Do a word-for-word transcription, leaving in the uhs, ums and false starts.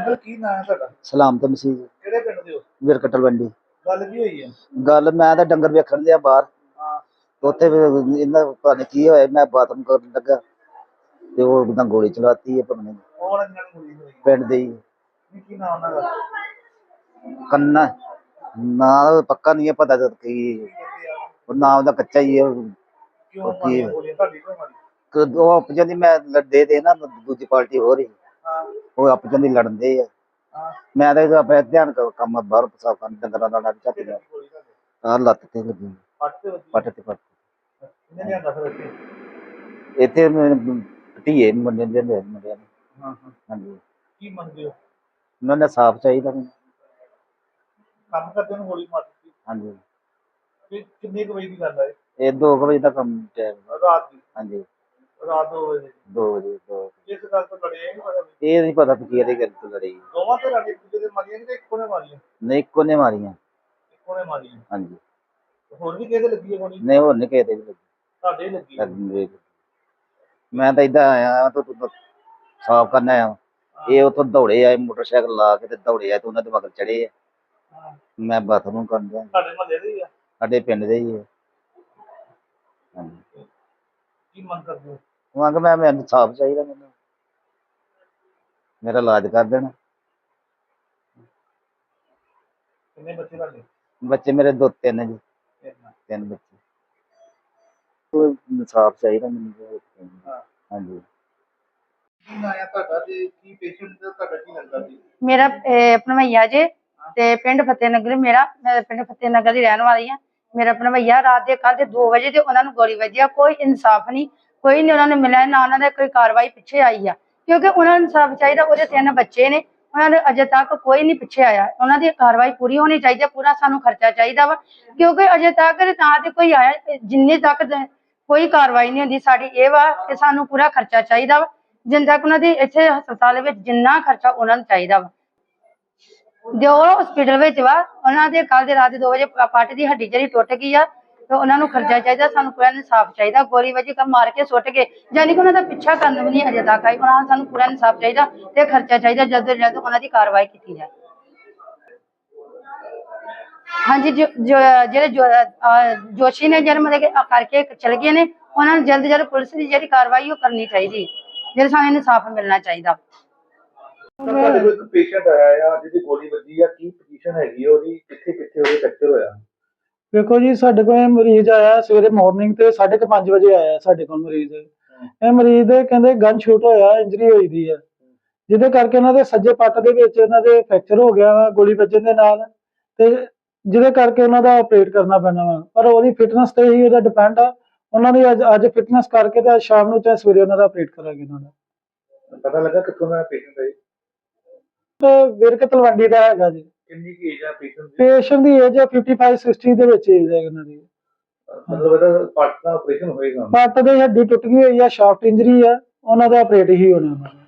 Uncle ਕੀ ਨਾਮ ਹੈ ਤੁਹਾਡਾ? ਸਲਾਮ ਤੇ ਮਸੀਹ ਕਿਹੜੇ ਪਿੰਡ ਦੇ ਹੋ? ਵਿਰਕਟਲ ਵੰਡੀ। ਗੱਲ ਕੀ ਹੋਈ ਹੈ? ਗੱਲ ਮੈਂ ਤਾਂ ਡੰਗਰ ਵੇਖਣ ਦਿਆ ਬਾਹਰ, ਹਾਂ ਉੱਥੇ ਇਹਨਾਂ ਪਤਾ ਨੀ ਕੀ ਹੋਇਆ, ਮੈਂ ਬਾਥਰੂਮ ਕਰਨ ਲੱਗਾ ਤੇ ਉਹ ਇੱਕਦਮ ਗੋਲੀ ਚਲਾਤੀ ਹੈ ਪਤਾ ਕੌਣ ਇਹਨਾਂ ਨੂੰ ਗੋਲੀ ਹੋਈ? ਪਿੰਡ ਦੇ ਹੀ। ਕੀ ਕੀ ਨਾਮ ਉਹਨਾਂ ਦਾ? ਕੰਨਾ ਨਾ ਪੱਕਾ ਨਹੀਂ ਹੈ ਪਤਾ ਜਦ ਕੀ ਕੀ ਕਹਿੰਦੇ ਆ? ਉਹ ਨਾਮ ਦਾ ਕੱਚਾ ਹੀ ਹੈ। ਕਿਉਂ ਮਾਰੀਆਂ ਗੋਲੀਆਂ? ਤੁਹਾਡੀ ਕਿਉਂ ਮਾਰੀ? ਉਹ ਆਪਜਨ ਦੀ ਮੈਂ ਲੜਦੇ ਦੇ ਨਾ, ਦੂਜੀ ਪਾਰਟੀ ਹੋ ਰਹੀ, ਹਾਂ ਉਹ ਆਪਜਨ ਦੀ ਲੜਦੇ ਆ। ਹਾਂ ਮੈਂ ਤਾਂ ਆਪਣੇ ਧਿਆਨ ਕੰਮ ਬਾਹਰ ਸਾਫ ਕਰਨ ਡੰਗਰਾਂ ਦਾ ਲੱਗ ਝੱਟ ਗਿਆ। ਗੋਲੀ ਤੁਹਾਡੇ ਆਹ ਲੱਤ ਤੇ ਲੱਗੀ, ਪੱਟ ਤੇ ਵੱਜੀ? ਪੱਟ ਤੇ ਪੱਟ। ਕਿੰਨੇ ਲਿਆਂਦਾ ਫਿਰ ਇੱਥੇ? ਇੱਥੇ ਧੀਏ ਮੁੰਡੇ ਦੇ ਮੁੰਡਿਆਂ ਨੇ। ਹਾਂ ਹਾਂ ਹਾਂਜੀ, ਕੀ ਮੰਗਦੇ ਹੋ? ਉਹਨਾਂ ਨੇ ਸਾਫ ਚਾਹੀਦਾ ਮੈਨੂੰ। ਕੰਮ ਕਰਦੇ ਨੂੰ ਗੋਲੀ ਮਾਰ ਦਿੱਤੀ? ਹਾਂਜੀ, ਕਿ ਕਿੰਨੇ ਕੁ ਵਜੇ ਦੀ ਗੱਲ ਹੈ? ਇਹ ਦੋ ਕੁ ਵਜੇ ਦਾ ਕੰਮ ਟਾਈਮ। ਰਾਤ ਦੀ? ਹਾਂਜੀ, ਰਾਤ ਦੋ ਵਜੇ? ਦੋ ਵਜੇ ਦੋ। ਇਸ ਗੱਲ ਤੋਂ ਲੜੇ ਨਹੀਂ ਪਤਾ? ਇਹ ਨਹੀਂ ਪਤਾ ਵੀ ਕਿਹਦੇ ਗੱਲ ਤੋਂ ਲੜੀ। ਦੋਵਾਂ ਤੇ ਲੜੇ, ਦੂਜੇ ਦੇ ਮਾਰੀਆਂ ਕਿ ਇੱਕੋ ਨੇ ਮਾਰੀਆਂ? ਨਹੀਂ, ਇੱਕੋ ਨੇ ਮਾਰੀਆਂ। ਇੱਕੋ ਨੇ ਮਾਰੀਆਂ? ਹਾਂਜੀ, ਹੋਰ ਵੀ ਕਿਹਦੇ ਲੱਗੀ ਹੈ ਗੋਲੀ? ਨਹੀਂ ਹੋਰ ਨਹੀਂ ਕਿਸੇ ਦੇ ਵੀ ਤੁਹਾਡੇ ਹੀ ਲੱਗੀ ਹੈ? ਲੱਗੀ। ਮੈਂ ਤਾਂ ਏਦਾਂ ਆਇਆ ਤੂੰ ਸਾਫ ਕਰਨ ਆਇਆ, ਇਹ ਉੱਥੋਂ ਦੌੜੇ ਆਏ ਮੋਟਰਸਾਈਕਲ ਲਾ ਕੇ ਤੇ ਦੌੜੇ ਆਏ ਤੇ ਉਹਨਾਂ ਦੇ ਮਗਰ ਚੜੇ ਆ। ਹਾਂ ਮੈਂ ਬਾਥਰੂਮ ਕਰਨ ਗਿਆ। ਤੁਹਾਡੇ ਮਹੱਲੇ ਦੇ ਹੀ ਆ? ਸਾਡੇ ਪਿੰਡ ਦੇ ਹੀ ਹੈ। ਹਾਂਜੀ, ਕੀ ਮੰਗ ਕਰਦੇ ਹੋ? ਮੰਗ ਮੈਂ ਮੈਨੂੰ ਸਾਫ ਚਾਹੀਦਾ, ਮੈਨੂੰ ਮੇਰਾ ਇਲਾਜ ਕਰ ਦੇਣਾ। ਕਿੰਨੇ ਬੱਚੇ ਤੁਹਾਡੇ? ਬੱਚੇ ਮੇਰੇ ਦੋ ਤਿੰਨ ਜੀ, ਤਿੰਨ। ਤਿੰਨ ਬੱਚੇ। ਸਾਫ ਚਾਹੀਦਾ ਮੈਨੂੰ। ਹਾਂ ਹਾਂਜੀ। ਕੀ ਨਾਂ ਹੈ ਤੁਹਾਡਾ ਤੇ ਕੀ ਪੇਸ਼ੈਂਟ ਦਾ ਤੁਹਾਡਾ ਕੀ ਲੱਗਦਾ ਸੀ? ਮੇਰਾ ਭਣਵਈਆ ਜੇ ਤੇ ਪਿੰਡ ਫਤਿਹ ਨਗਰ। ਮੇਰਾ ਮੈਂ ਪਿੰਡ ਫਤਿਹ ਨਗਰ ਦੀ ਰਹਿਣ ਵਾਲੀ ਆ। ਮੇਰਾ ਭਣਵਈਆ ਰਾਤ ਦੇ ਕੱਲ ਦੇ ਦੋ ਵਜੇ ਤੇ ਉਹਨਾਂ ਨੂੰ ਗੋਲੀ ਵੱਜੀ ਆ। ਕੋਈ ਇਨਸਾਫ ਨਹੀਂ, ਕੋਈ ਨਹੀਂ ਉਹਨਾਂ ਨੂੰ ਮਿਲਿਆ, ਨਾ ਉਹਨਾਂ ਦੇ ਕੋਈ ਕਾਰਵਾਈ ਪਿੱਛੇ ਆਈ ਆ, ਕਿਉਂਕਿ ਉਹਨਾਂ ਨੂੰ ਇਨਸਾਫ ਚਾਹੀਦਾ। ਉਹਦੇ ਤਿੰਨ ਬੱਚੇ ਨੇ, ਉਹਨਾਂ ਦੇ ਅਜੇ ਤੱਕ ਕੋਈ ਨਹੀਂ ਪਿੱਛੇ ਆਇਆ। ਉਹਨਾਂ ਦੀ ਕਾਰਵਾਈ ਪੂਰੀ ਹੋਣੀ ਚਾਹੀਦੀ ਹੈ, ਪੂਰਾ ਸਾਨੂੰ ਖਰਚਾ ਚਾਹੀਦਾ ਵਾ, ਕਿਉਂਕਿ ਅਜੇ ਤੱਕ ਤਾਂ ਤੇ ਕੋਈ ਆਇਆ, ਜਿੰਨੇ ਤੱਕ ਕੋਈ ਕਾਰਵਾਈ ਨਹੀਂ ਹੁੰਦੀ। ਸਾਡੀ ਇਹ ਵਾ ਕਿ ਸਾਨੂੰ ਪੂਰਾ ਖਰਚਾ ਚਾਹੀਦਾ ਵਾ, ਜਿੰਨ ਤੱਕ ਉਹਨਾਂ ਦੀ ਇੱਥੇ ਹਸਪਤਾਲ ਵਿੱਚ ਜਿੰਨਾ ਖਰਚਾ ਉਹਨਾਂ ਨੂੰ ਚਾਹੀਦਾ ਵਾ। ਜੋ ਹਸਪੀਟਲ ਵਿੱਚ ਵਾ, ਉਹਨਾਂ ਦੇ ਕੱਲ ਦੇ ਰਾਤ ਦੇ ਦੋ ਵਜੇ ਪੱਟ ਦੀ ਹੱਡੀ ਜਿਹੜੀ ਟੁੱਟ ਗਈ ਆ, ਤੇ ਉਹਨਾਂ ਨੂੰ ਖਰਚਾ ਚਾਹੀਦਾ। ਸਾਨੂੰ ਪੂਰਾ ਇਨਸਾਫ ਚਾਹੀਦਾ। ਗੋਲੀ ਵੱਜੀ ਕਾ ਮਾਰ ਕੇ ਸੁੱਟ ਕੇ, ਯਾਨੀ ਕਿ ਉਹਨਾਂ ਦਾ ਪਿੱਛਾ ਕਰਨ ਵੀ ਨਹੀਂ ਅਜੇ ਤੱਕ ਆਈ। ਉਹਨਾਂ ਨੂੰ ਸਾਨੂੰ ਪੂਰਾ ਇਨਸਾਫ ਚਾਹੀਦਾ ਤੇ ਖਰਚਾ ਚਾਹੀਦਾ, ਜਲਦ ਤੋਂ ਜਲਦ ਉਹਨਾਂ ਦੀ ਕਾਰਵਾਈ ਕੀਤੀ ਜਾਏ। ਹਾਂਜੀ, ਜੋ ਜਿਹੜੇ ਜੋਸ਼ੀ ਨੇ ਜਿਹੜੇ ਮਤਲਬ ਕਰਕੇ ਚਲੇ ਗਏ ਨੇ, ਉਹਨਾਂ ਨੂੰ ਜਲਦ ਜਲਦ ਪੁਲਿਸ ਦੀ ਜਿਹੜੀ ਕਾਰਵਾਈ ਉਹ ਕਰਨੀ ਚਾਹੀਦੀ, ਜਿਹੜੇ ਸਾਨੂੰ ਇਨਸਾਫ ਮਿਲਣਾ ਚਾਹੀਦਾ। ਤੁਹਾਡੇ ਕੋਲ ਇੱਕ ਪੇਸ਼ੈਂਟ ਆਇਆ ਆ ਜਿਹਦੀ ਗੋਲੀ ਵੱਜੀ ਆ, ਕੀ ਪੋਜੀਸ਼ਨ ਹੈਗੀ ਉਹਦੀ, ਕਿੱਥੇ ਕਿੱਥੇ ਉਹਦੇ ਫ੍ਰੈਕਚਰ ਹੋਇਆ? ਦੇਖੋ ਜੀ, ਸਾਡੇ ਕੋਲ ਮਰੀਜ਼ ਆਇਆ ਸਵੇਰੇ ਮਾਰਨਿੰਗ ਤੇ ਸਾਢੇ ਕੁ ਪੰਜ ਵਜੇ ਆਇਆ ਸਾਡੇ ਕੋਲ ਮਰੀਜ਼। ਇਹ ਮਰੀਜ਼ ਦੇ ਕਹਿੰਦੇ ਗਨ ਸ਼ੂਟ ਹੋਇਆ, ਇੰਜਰੀ ਹੋਈ ਦੀ ਹੈ, ਜਿਹਦੇ ਕਰਕੇ ਉਹਨਾਂ ਦੇ ਸੱਜੇ ਪੱਟ ਦੇ ਵਿੱਚ ਇਹਨਾਂ ਦੇ ਫ੍ਰੈਕਚਰ ਹੋ ਗਿਆ ਵਾ ਗੋਲੀ ਵੱਜਣ ਦੇ ਨਾਲ, ਤੇ ਜਿਹਦੇ ਕਰਕੇ ਉਹਨਾਂ ਦਾ ਆਪਰੇਟ ਕਰਨਾ ਪੈਣਾ ਵਾ। ਪਰ ਉਹਦੀ ਫਿਟਨੈਸ ਤੇ ਹੀ ਉਹਦਾ ਡਿਪੈਂਡ ਆ। ਉਹਨਾਂ ਦੀ ਅੱਜ ਅੱਜ ਫਿਟਨੈਸ ਕਰਕੇ ਤੇ ਅੱਜ ਸ਼ਾਮ ਨੂੰ ਚਾਹੇ ਸਵੇਰੇ ਉਹਨਾਂ ਦਾ ਆਪਰੇਟ ਕਰਾਂਗੇ। ਉਹਨਾਂ ਦਾ ਪਤਾ ਲੱਗਾ ਕਿੱਥੋਂ ਦਾ ਪੇਸ਼ੈਂਟ ਹੈ? ਵਿਰਕ ਤਲਵੰਡੀ ਦਾ ਹੈਗਾ ਜੀ। ਕਿੰਨੀ ਕੀ ਏਜ ਆ ਪੇਸ਼ੈਂਟ ਦੀ? ਪੇਸ਼ੈਂਟ ਦੀ ਏਜ ਹੈ ਪਚਪਨ ਸਾਠ ਦੇ ਵਿੱਚ ਏਜ ਹੈ ਉਹਨਾਂ ਦੀ। ਮਤਲਬ ਇਹਦਾ ਪੱਟ ਦਾ ਆਪਰੇਸ਼ਨ ਹੋਏਗਾ? ਪੱਟ ਦੀ ਹੱਡੀ ਟੁੱਟ ਗਈ ਹੋਈ ਆ, ਸ਼ਾਫਟ ਇੰਜਰੀ ਆ, ਉਹਨਾਂ ਦਾ ਆਪਰੇਟ ਹੀ ਹੋਣਾ।